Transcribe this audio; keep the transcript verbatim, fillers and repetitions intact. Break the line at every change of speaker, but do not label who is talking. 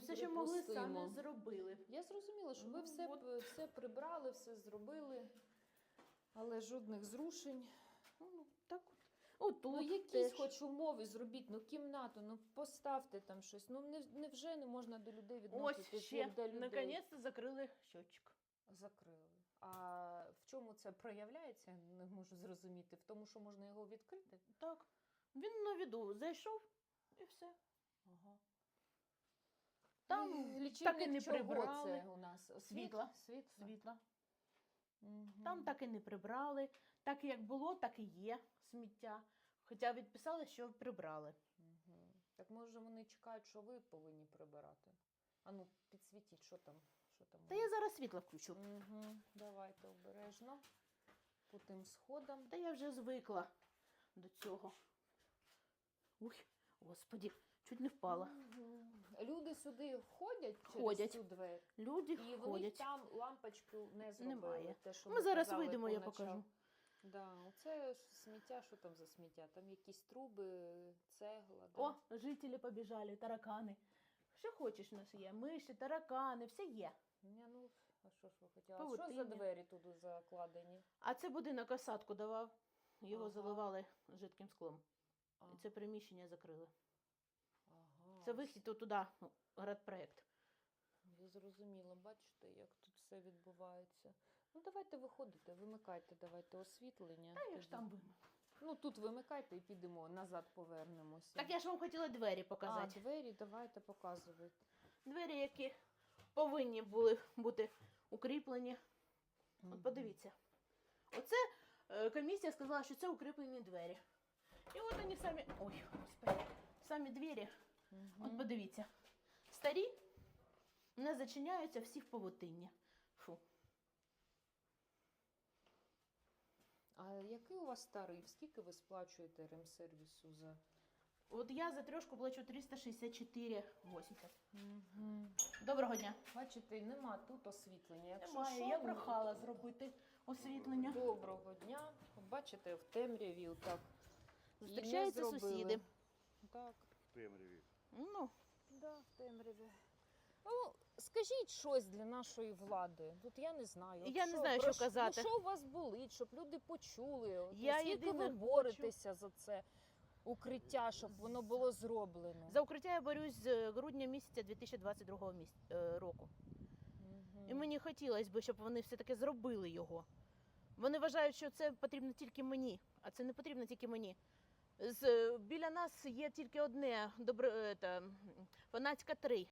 все, що могли, самі
Припустимо.
зробили.
Я зрозуміла, що ви
Ну,
все,
от.
п- все прибрали, все зробили, але жодних зрушень.
Ну, так от. Отут
Ну, якісь
теж.
хоч умови зробіть, ну, кімнату, ну, поставте там щось. Ну, не, невже не можна до людей
Ось
відноситися,
ще,
як до людей?
наконець-то закрили щотчик.
Закрили. А в чому це проявляється, не можу зрозуміти. В тому, що можна його відкрити?
Так. Він на віду зайшов і все.
Ага.
Там
Ну,
так і
лічильник
не
чого
прибрали.
це у нас? Світ?
Світла.
Світла.
Світла.
Мгм.
Там так і не прибрали. Так як було, так і є сміття. Хоча відписали, що прибрали.
Мгм. Так може вони чекають, що ви повинні прибирати? А ну, підсвітіть, що там, що там.
Та я зараз світло включу.
Угу. Давайте обережно. По тим сходам.
Та я вже звикла до цього. Уй, господі, чуть не впала.
Мгм. Люди сюди входять через
Входять.
цю двері?
Люди
І в них
ходять.
там лампочку не зробили.
Немає.
Те, що
Ми
ви
зараз
казали
вийдемо, я
поначалу.
покажу.
Да, оце ж сміття, що там за сміття? Там якісь труби, цегла. Да?
О, жителі побіжали, таракани. Що хочеш у нас є? Миші, таракани, все є.
Ні, ну, а що ж ви хотіли? А що за
Павутиння.
двері туди закладені?
А це будинок осадку давав. Його
Ага.
заливали жидким склом.
А,
І це приміщення закрили.
ага.
Це вихід туди, градпроект.
Я зрозуміла, бачите, як тут все відбувається. Ну, давайте виходите, вимикайте, давайте освітлення.
Та я
тоді.
ж там вимив.
Ну, тут вимикайте і підемо, назад повернемося.
Так я ж вам хотіла двері
А,
показати.
двері давайте показуйте.
Двері, які повинні були бути укріплені. От подивіться. Оце е, комісія сказала, що це укріплені двері. І от вони самі. Ой, господи. Самі двері.
Мгм.
От подивіться. Старі не зачиняються, всі в павутинні. Фу.
А який у вас тариф? Скільки ви сплачуєте ремсервісу за...
От я за трьошку плачу триста шістдесят чотири вісімдесят.
Угу.
Доброго дня.
Бачите, нема тут освітлення. Якщо
Немає,
що,
я
ну,
прохала зробити освітлення.
Доброго дня. Бачите, в темряві так. і не
Зустрічаються
зробили.
сусіди.
Так.
В темряві.
Ну,
Да, в темряві. Ну, скажіть щось для нашої влади. Тут я не знаю. От
Я не знаю,
про
що казати.
Ну, що у вас болить, щоб люди почули? От,
Я
Скільки
єдине
ви
хочу-
боретеся за це укриття, щоб воно було зроблено?
за укриття я борюсь з грудня місяця дві тисячі двадцять другого міс... е, року.
Мгм.
І мені хотілося б, щоб вони все-таки зробили його. Вони вважають, що це потрібно тільки мені, а це не потрібно тільки мені. З, біля нас є тільки одне, добро, е, та, Фанатська три.